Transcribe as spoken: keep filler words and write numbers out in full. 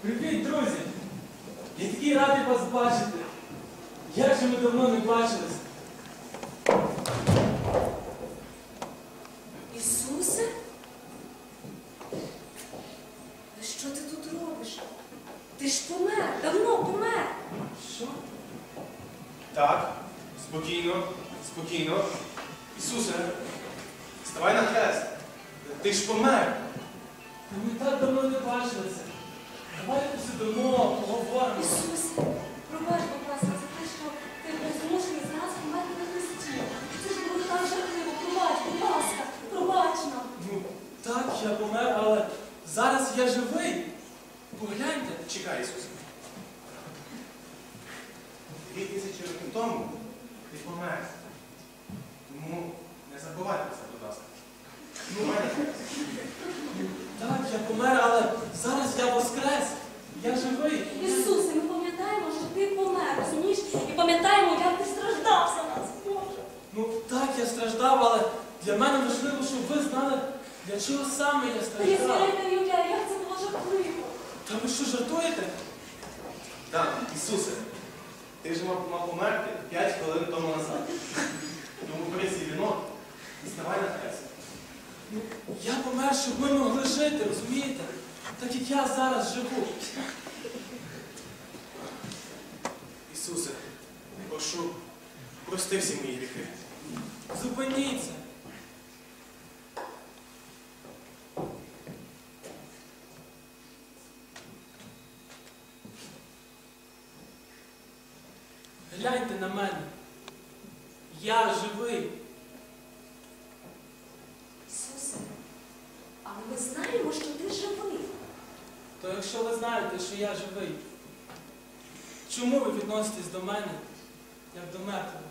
Привіт, друзі! Я такий радий вас бачити. Як же ми давно не бачились? Ісусе? Що ти тут робиш? Ти ж помер, давно помер. Що? Так, спокійно, спокійно. Ісусе, ставай на хрест. Ти ж помер. Та ми так давно не бачилися. Давайте посидимо, поговоримо. Ісусе, пробач, будь ласка, за те, що ти був змушений зараз померти на хресті. Це ж було так жахливо. Пробач, будь ласка, пробач нам. Ну, так, я помер, але зараз я живий. Погляньте. Чекай, Ісусе. Дві тисячі років тому ти помер. Тому не забувай про це, будь ласка. Ну, мене хрест. Так, я помер, але зараз я воскрес. Я живий. Ісусе, ми пам'ятаємо, що ти помер, розумієш? І пам'ятаємо, як ти страждав за нас, Боже. Ну так, я страждав, але для мене важливо, щоб ви знали, для чого саме я Та я страждав. навіть не уявляю, як це було жахливо. Та ви що, жартуєте? Так, Ісусе, ти ж мав, мав померти п'ять хвилин тому назад. Тому бери свій вінок і ставай на хрест. Ну, я помер, щоб ми могли жити, розумієте? Так як я зараз живу. Ісусе, прошу, прости всі мої гріхи. Зупиніться. Гляньте на мене. Я живий. Ісусе, але ми знаємо, що ти живий. То якщо ви знаєте, що я живий, чому ви відноситесь до мене, як до мертвого?